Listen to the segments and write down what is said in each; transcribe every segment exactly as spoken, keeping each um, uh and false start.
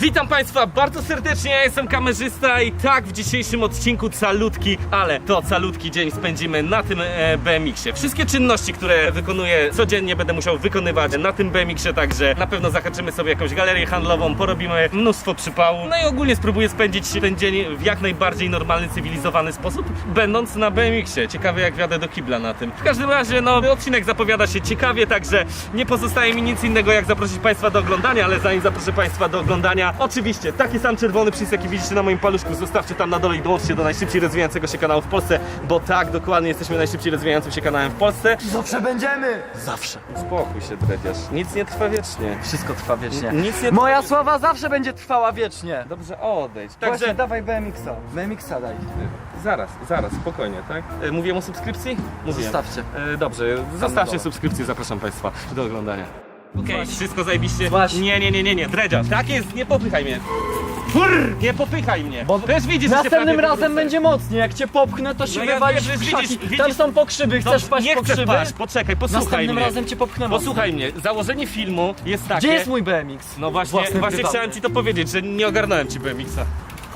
Witam Państwa bardzo serdecznie, ja jestem kamerzysta i tak w dzisiejszym odcinku calutki, ale to calutki dzień spędzimy na tym e, B M X-ie. Wszystkie czynności, które wykonuję codziennie, będę musiał wykonywać na tym B M X-ie, także na pewno zahaczymy sobie jakąś galerię handlową, porobimy mnóstwo przypału, no i ogólnie spróbuję spędzić ten dzień w jak najbardziej normalny, cywilizowany sposób, będąc na B M X-ie. Ciekawe jak wjadę do kibla na tym. W każdym razie, no, odcinek zapowiada się ciekawie, także nie pozostaje mi nic innego jak zaprosić Państwa do oglądania, ale zanim zaproszę Państwa do oglądania, oczywiście taki sam czerwony przycisk jaki widzicie na moim paluszku, zostawcie tam na dole i dołączcie do najszybciej rozwijającego się kanału w Polsce, bo tak, dokładnie jesteśmy najszybciej rozwijającym się kanałem w Polsce. Zawsze będziemy! Zawsze. Uspokój się, dredziarz. Nic nie trwa wiecznie. Wszystko trwa wiecznie. N- nic nie Moja sława zawsze będzie trwała wiecznie. Dobrze, odejdź. Także Także dawaj B M X-a. B M X-a daj. zaraz, zaraz, spokojnie, tak? E, mówiłem o subskrypcji? Mówiłem. Zostawcie. E, dobrze, dole. zostawcie subskrypcję, zapraszam Państwa do oglądania. Okej, okay, wszystko zajebiście. Właśnie. Nie, nie, nie, nie, nie, dredziarz. Tak jest, nie popychaj mnie. Fur, nie popychaj mnie. Bo też widzisz, że się następnym prawie razem wywrócę. będzie mocniej. Jak cię popchnę, to się No ja wywalisz wiem, w że krzaki. widzisz- Tam widzisz- są pokrzywy. Chcesz Dobrze, paść nie po chcę krzywy? paść, poczekaj, posłuchaj Następnym mnie. razem cię popchnę Posłuchaj mnie, założenie filmu jest takie... Gdzie jest mój B M X? No właśnie, Własny, właśnie prywatny. chciałem ci to powiedzieć, że nie ogarnąłem ci B M X-a.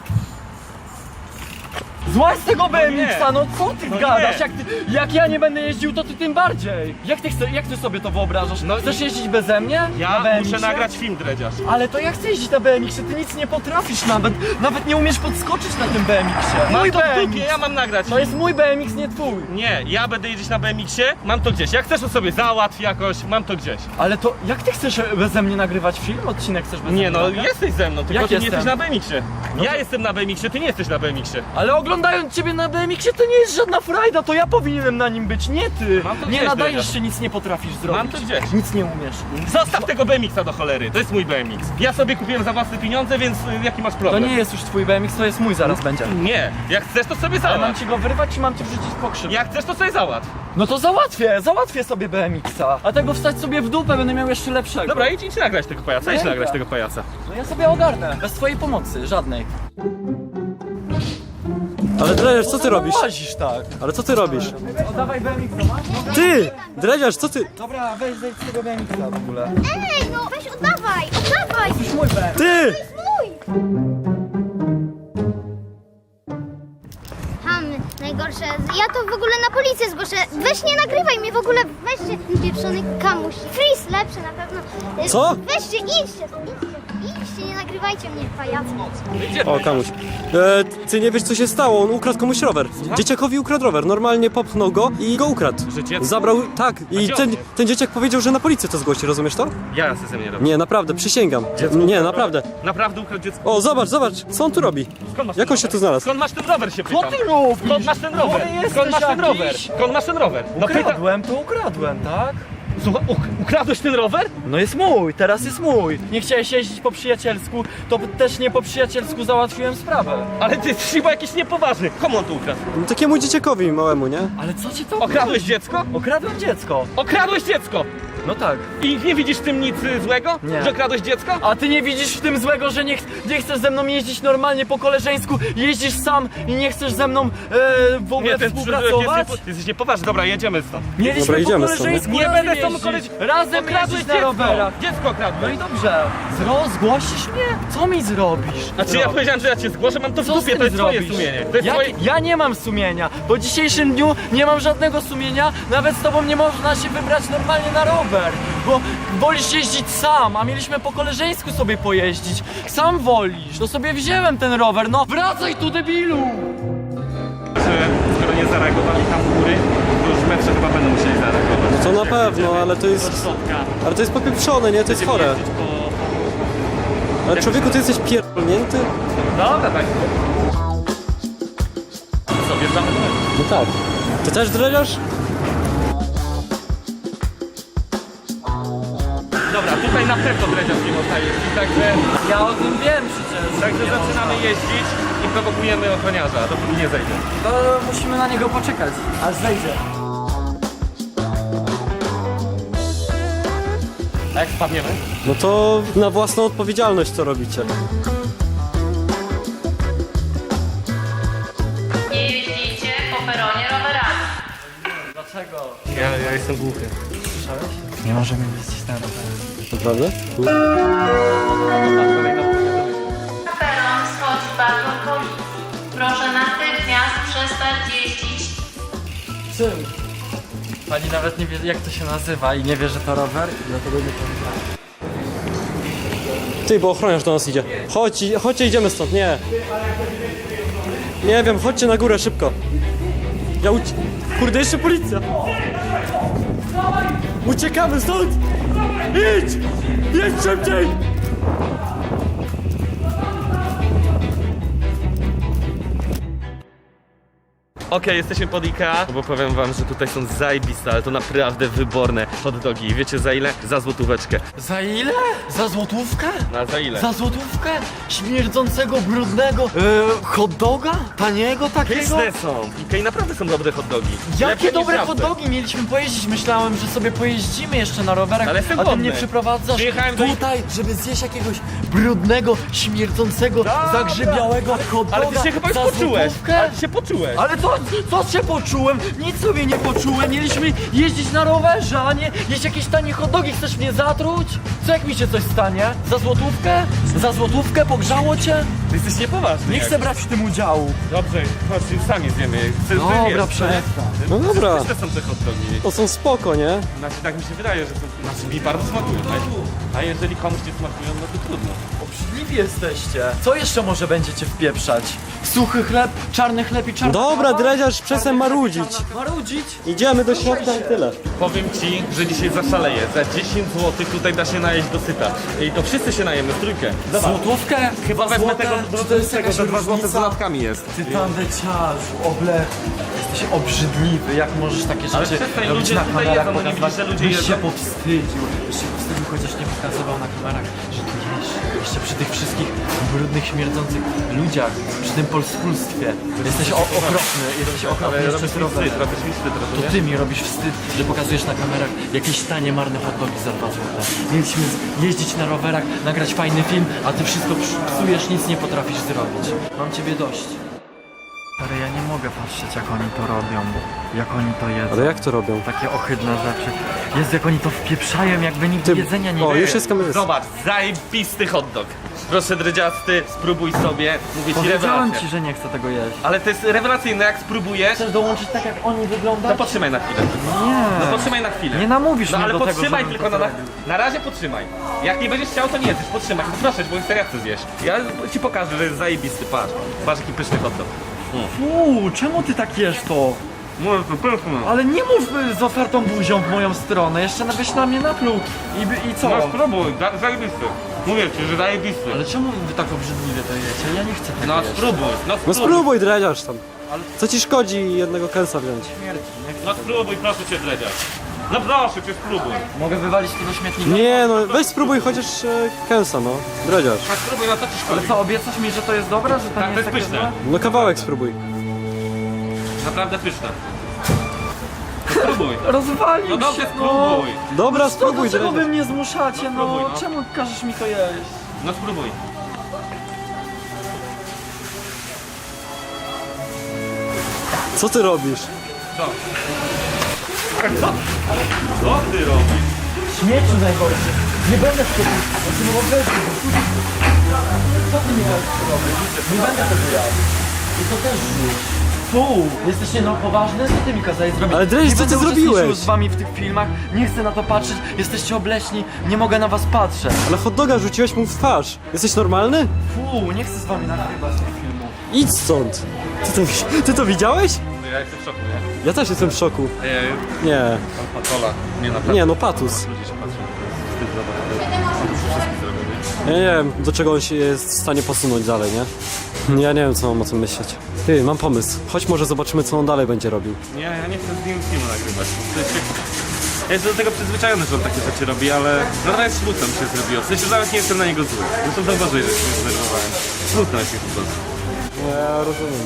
Złaź z tego B M X-a, no co ty No gadasz? nie. Jak, ty, jak ja nie będę jeździł, to ty tym bardziej. Jak ty, chce, jak ty sobie to wyobrażasz? No Chcesz jeździć beze mnie? Ja na B M X-ie? muszę nagrać film, dredziarz. Ale to ja chcę jeździć na B M X-ie, ty nic nie potrafisz nawet. Nawet nie umiesz podskoczyć na tym B M X-ie. Mam Mój to w B M dupie, X. ja mam nagrać. To jest mój B M X, nie twój. Nie, ja będę jeździć na B M X-ie, mam to gdzieś. Jak chcesz, to sobie załatw jakoś, mam to gdzieś. Ale to jak ty chcesz beze mnie nagrywać film? Odcinek chcesz beze mnie Nie no, nagrać? jesteś ze mną, tylko Jak ty nie jestem? jesteś na B M X-ie. No Ja to- jestem na B M X-ie, ty nie jesteś na B M X-ie. Ale oglądając ciebie na B M X-ie to nie jest żadna frajda, to ja powinienem na nim być, nie ty. Mam to Nie gdzieś, nadajesz Dredziarz. się, nic nie potrafisz zrobić. Mam to gdzieś. Nic nie umiesz. Zostaw tego B M X-a do cholery, to jest mój B M X. Ja sobie kupiłem za własne pieniądze, więc y, jaki masz To problem? nie jest już twój B M X, to jest mój, zaraz będzie. Nie, jak chcesz, to sobie Ale mam załatw. ci go wyrwać, czy mam ci wrzucić po krzyw? Jak chcesz, to sobie załatw. No to załatwię, załatwię sobie B M X-a. A tego wstać sobie w dupę, będę miał jeszcze lepszego. Dobra, idź, idź nagrać tego pajaca, idź Dobra. nagrać tego pajaca. No ja sobie ogarnę, bez twojej pomocy, żadnej. Ale Dredziarz, co ty robisz? Łazisz tak. Ale co ty robisz? Oddawaj B M X-a, masz? Ty! Dredziarz, co ty? Dobra, weź zejdź z tego B M X-a w ogóle. Ej, no weź oddawaj, oddawaj! Już mój B M X. Ty! Mój! Ham, najgorsze. Ja to w ogóle na policję zgłoszę. Weź nie nagrywaj mnie w ogóle, weźcie ten pieprzony kamuś. Freeze lepsze na pewno. Y, Co? Weźcie, idźcie, idźcie, idźcie, nie nagrywajcie mnie, pajacy. O, Kamuś. E, ty nie wiesz, co się stało, on ukradł komuś rower. Dzieciakowi ukradł rower, normalnie popchnął go i go ukradł. Że dziecko? Zabrał, tak. I gdzie on ten, jest? ten dzieciak powiedział, że na policję to zgłosi, rozumiesz to? Ja ze mnie robię. Nie, naprawdę, przysięgam. Nie, naprawdę. Naprawdę ukradł dziecko. O, zobacz, zobacz, co on tu robi? Skąd masz Jak ten on się rower? tu znalazł? Skąd masz ten rower, się pytam? Co ty robisz? Skąd masz ten rower? Chory jesteś Skąd masz ten rower? jakiś? Skąd masz ten rower? No pyta... Ukradłem, to ukradłem, tak? Słuchaj, uk ukradłeś ten rower? No jest mój, teraz jest mój. Nie chciałeś jeździć po przyjacielsku, to też nie po przyjacielsku załatwiłem sprawę. Ale ty jesteś chyba jakiś niepoważny. Komu on to ukradł? No, takiemu dzieciakowi małemu, nie? Ale co ci to Okradłeś dziecko? Okradłem dziecko. Okradłeś dziecko! No tak. I nie widzisz w tym nic y, złego? Nie. Że okradłeś dziecko? A ty nie widzisz w tym złego, że nie, ch nie chcesz ze mną jeździć normalnie po koleżeńsku, jeździsz sam i nie chcesz ze mną e, w ogóle ty, współpracować? ty, ty jesteś niepoważny. Dobra, jedziemy stąd. Mieliśmy Dobra, po idziemy stąd, koleżeńsku nie? Nie razem będę z tobą jeździć. koleś- Razem Okradłeś jeździć na dziecko! rowerach. Dziecko No okradłeś. i dobrze. Zro zgłosisz mnie? Co mi zrobisz? A czy ja powiedziałem, że ja cię zgłoszę? Mam to w Co z dupie, tym to jest twoje zrobisz? sumienie. To jest Ja, twoje... ja nie mam sumienia. Po dzisiejszym dniu nie mam żadnego sumienia. Nawet z tobą nie można się wybrać normalnie na rower. Bo wolisz jeździć sam, a mieliśmy po koleżeńsku sobie pojeździć. Sam wolisz. To sobie wziąłem ten rower. No wracaj tu, debilu! Że skoro nie zareagowali tam u góry, to już metrze chyba będą musieli zareagować. To na pewno, ale to jest... Środka. Ale to jest popieprzone, nie? To jest chore. Jeździć po... Ale człowieku, ty jesteś pierdolnięty? Dobra, tak. Co, wjeżdżamy do mety? No tak. Ty też Dredziarz? Dobra, tutaj na pewno dredziarz nie można jeździć, także... Ja o tym wiem przecież. Także Nie zaczynamy można. jeździć i prowokujemy ochroniarza, dopóki nie zejdzie. To musimy na niego poczekać, aż zejdzie. A jak spadniemy? No to na własną odpowiedzialność co robicie. Nie jeździcie po peronie rowerami. Dlaczego? Ja, ja jestem głuchy. Słyszałeś? Nie możemy jeździć na rowerach. Naprawdę? tym. Pani nawet nie wie, jak to się nazywa i nie wie, że to rower i dlatego nie powiedziała. Ty, bo ochroniarz do nas idzie. Chodź, i- chodźcie, idziemy stąd, nie. Nie wiem, chodźcie na górę, szybko. Ja ucie... Kurde, jeszcze policja. Uciekamy stąd! Idź! Jedź szybciej! Okej, jesteśmy pod Ikea, bo powiem wam, że tutaj są zajebiste, ale to naprawdę wyborne hot dogi. Wiecie za ile? Za złotóweczkę. Za ile? Za złotówkę? Na za ile? Za złotówkę? Śmierdzącego, brudnego yy, hot doga? Taniego takiego? Pyszne są. W Ikei naprawdę są dobre hot dogi. Jakie Lepsze niż dobre w hot Żabce. dogi mieliśmy pojeździć? Myślałem, że sobie pojeździmy jeszcze na rowerach, Ale jestem a ty głodny. mnie przyprowadzasz Przyjechałem do- tutaj, żeby zjeść jakiegoś brudnego, śmierdzącego, Dobra. zagrzybiałego hot doga Ale ty się chyba już za poczułeś. złotówkę? Ale ty się poczułeś. Ale to, co się poczułem? Nic sobie nie poczułem. Mieliśmy jeździć na rowerze, a nie jeść jakieś tanie hot dogi. Chcesz mnie zatruć? Co jak mi się coś stanie? Za złotówkę? Za złotówkę? Pogrzało cię? Ty jesteś niepoważny. Nie chcę jak. brać w tym udziału. Dobrze, chodź, sami zjemy. Chcę, Dobra, przestań. No dobra. Pyszne są te hot dogi. To są spoko, nie? Znaczy, tak mi się wydaje, że są... Znaczy, mi bardzo smakują. A, a jeżeli komuś nie smakują, no to trudno. Obrzydliwi jesteście. Co jeszcze może będziecie wpieprzać? Suchy chleb, czarny chleb i czarny Dobra, kawa? dredziarz, przestań marudzić. Marudzić? Idziemy do środka i tyle. Powiem ci, że dzisiaj zaszaleję. Za dziesięć złotych tutaj da się najeść dosyta. I to wszyscy się najemy w trójkę. Zobacz. Złotówkę? Chyba wezmę Złote? tego Czy to jest tego, jakaś że dwa złote z różnica? dodatkami jest. Ty tandeciarzu, oblechu. Jesteś obrzydliwy, jak możesz takie Ale rzeczy przestań, robić ludzie na tutaj kamerach, jedzą, no nie pokazywać. widzisz, że ludzie Byś się jedzą? powstydził, byś się powstydził, chociaż nie pokazywał na kamerach, że tu jesz. Jeszcze przy tych wszystkich brudnych, śmierdzących ludziach, przy tym polskulstwie. Jesteś o- okropny, jesteś okropny Ale jeszcze robisz z mi rowerem. wstyd, robisz mi wstyd, To rozumiesz? ty mi robisz wstyd, że pokazujesz na kamerach jakieś tanie, marne hot dogi za dwa złote. Mieliśmy z- jeździć na rowerach, nagrać fajny film, a ty wszystko psujesz, nic nie potrafisz zrobić. Mam ciebie dość. Ale ja nie mogę patrzeć, jak oni to robią, jak oni to jedzą. Ale jak to robią? Takie ohydne rzeczy. Jest jak oni to wpieprzają, jakby nigdy Ty- jedzenia nie o, było. już jest kamerzysta. Zobacz, zajebisty hot dog. Proszę dredziasty, spróbuj sobie. Mówię ci Powiedziałem rewelacja. ci, że nie chcę tego jeść. Ale to jest rewelacyjne, jak spróbujesz, Chcesz dołączyć tak, jak oni wyglądają? to podtrzymaj na chwilę. Nie. No podtrzymaj na chwilę. Nie namówisz No mnie ale do tego, podtrzymaj żebym tylko to na, zrobił. na razie podtrzymaj. Jak nie będziesz chciał, to nie jesteś. Podtrzymaj. No proszę, bo chcę ja chcę zjeść. Ja ci pokażę, że jest zajebisty. Patrz. Patrz jaki pyszny hot dog. Fuu, czemu ty tak jesz to? Może to pyszne. Ale nie mów y, z otwartą buzią w moją stronę, jeszcze byś na mnie napluł i, by- i co? No spróbuj, za- zajebisty. Mówię ci, że zajebisty. Ale czemu wy tak obrzydliwie to jecie? Ja nie chcę tego No jeść. spróbuj, no No spróbuj. spróbuj, dredziarz tam. Ale- Co ci szkodzi jednego kęsa wziąć? Śmierci, nie chcę. No spróbuj, proszę cię dredziarz. No proszę cię, spróbuj. Mogę wywalić to do śmietnika? Nie no, weź spróbuj chociaż e, kęsa, no. Dredziarz. No spróbuj, no co ci Ale szkodzi? co, obiecasz mi, że to jest dobre, że to Tak, nie to jest jest takie pyszne. złe? No kawałek spróbuj. Naprawdę pyszne. No spróbuj. Rozwalił No dobrze, się, spróbuj. Dobra, No spróbuj, to dlaczego wy dredziarz. mnie zmuszacie, no? spróbuj, no. Czemu każesz mi to jeść? No spróbuj. Co ty robisz? Co? Co? Co ty robisz? Śmieciu najgorszy. Nie będę w tym. Znaczy, no bo weź, co ty mi robisz? Nie będę tego jadł. I to też rzuć. Fu, jesteś nie no poważny? Co ty mi kazałeś zrobić? Ale Dreś, Nie co ty będę uczestniczył zrobiłeś? z wami w tych filmach, nie chcę na to patrzeć, jesteście obleśni, nie mogę na was patrzeć. Ale hot doga rzuciłeś mu w twarz. Jesteś normalny? Fu, nie chcę z wami nagrywać tych filmów. Idź stąd. Ty to, wi- ty to widziałeś? No ja jestem w szoku, nie? Ja też jestem w szoku. Ej, Nie, pan Patola. Nie, naprawdę. nie no patus. Ludzie się patrzą, to jest wstyd za to. On już wszystkich zrobił, nie? Ja nie wiem, do czego on się jest w stanie posunąć dalej, nie? Ja nie wiem, co mam o tym myśleć. Ty, mam pomysł. Chodź może zobaczymy, co on dalej będzie robił. Nie, ja nie chcę z nim filmu nagrywać. To jest jak... Ja jestem do tego przyzwyczajony, że on takie rzeczy robi, ale no trochę smutno mi się zrobiło. W sensie nawet nie jestem na niego zły. No to zauważyłeś, że się zdenerwowałem. Smutno jest mi po prostu. Ja rozumiem.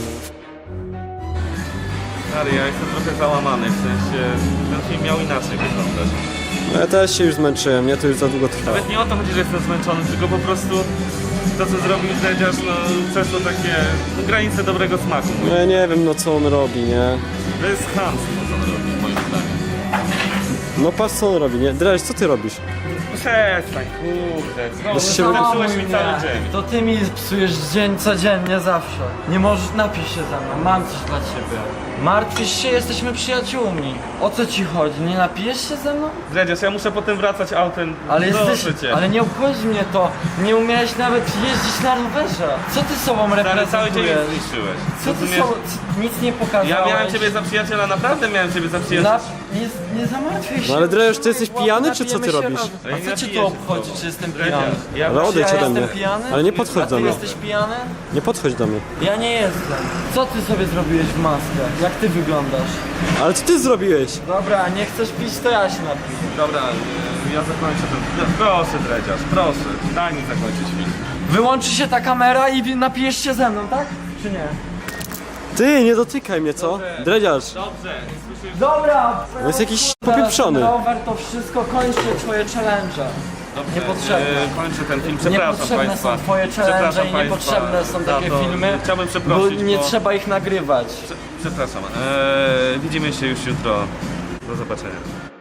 Ale ja jestem trochę załamany, w sensie ten film miał inaczej wyglądać. No ja też się już zmęczyłem, nie? To już za długo trwa. Nawet nie o to chodzi, że jestem zmęczony, tylko po prostu to, co zrobił Dredziarz, no przeszło takie no, granice dobrego smaku. No ja nie wiem, no co on robi, nie? To jest chamstwo, co on robi, moim zdaniem. No patrz, co on robi, nie? Dreś, co ty robisz? przestań, kurde. Znowu Bez się zepsułeś mi Nie, cały dzień. to ty mi psujesz dzień codziennie zawsze. Nie możesz, napisz się ze mną, mam coś dla ciebie. Martwisz się, jesteśmy przyjaciółmi. O co ci chodzi? Nie napijesz się ze mną? Dredziarz, ja muszę potem wracać autem. Ale Proszę jesteś, cię. ale nie obchodzi mnie to. Nie umiałeś nawet jeździć na rowerze. Co ty sobą Ale cały dzień reprezentujesz? mnie zniszczyłeś. Co ty Rozumiesz? sobą, c- nic nie pokazałeś. Ja miałem ciebie za przyjaciela, naprawdę miałem ciebie za przyjaciela. Na, nie, nie zamartwiaj się. No ale Dredziarz, ty jesteś pijany, czy co ty Napijemy się robisz? razem. Ja nie A co cię napiję to się obchodzi, z czy jestem Dredziarz, pijany? ja Ale właśnie- odejdź ja ode jestem mnie. pijany? Ale nie podchodź A do ty mnie. jesteś pijany? Nie podchodź do mnie. Ja nie jestem. Co ty sobie zrobiłeś w maskę? Jak ty wyglądasz? Ale co ty zrobiłeś? Dobra, nie chcesz pić, to ja się napiję. Dobra, y, ja zakończę ten... No, proszę, Dredziarz, proszę. Daj mi zakończyć film. Wyłączy się ta kamera i wi- napijesz się ze mną, tak? Czy nie? Ty, nie dotykaj mnie, co? Dredziarz, Dobrze, słyszysz? Dobra! on jest jakiś Teraz popieprzony. rower, to wszystko kończy twoje challenge. Dobrze, Niepotrzebne. y, kończę ten film, przepraszam Niepotrzebne Państwa. są twoje challenge Przepraszam i państwa niepotrzebne są za takie to. filmy, Chciałbym bo przeprosić, nie bo... trzeba ich nagrywać. Prze- Przepraszam, eee, widzimy się już jutro. Do zobaczenia.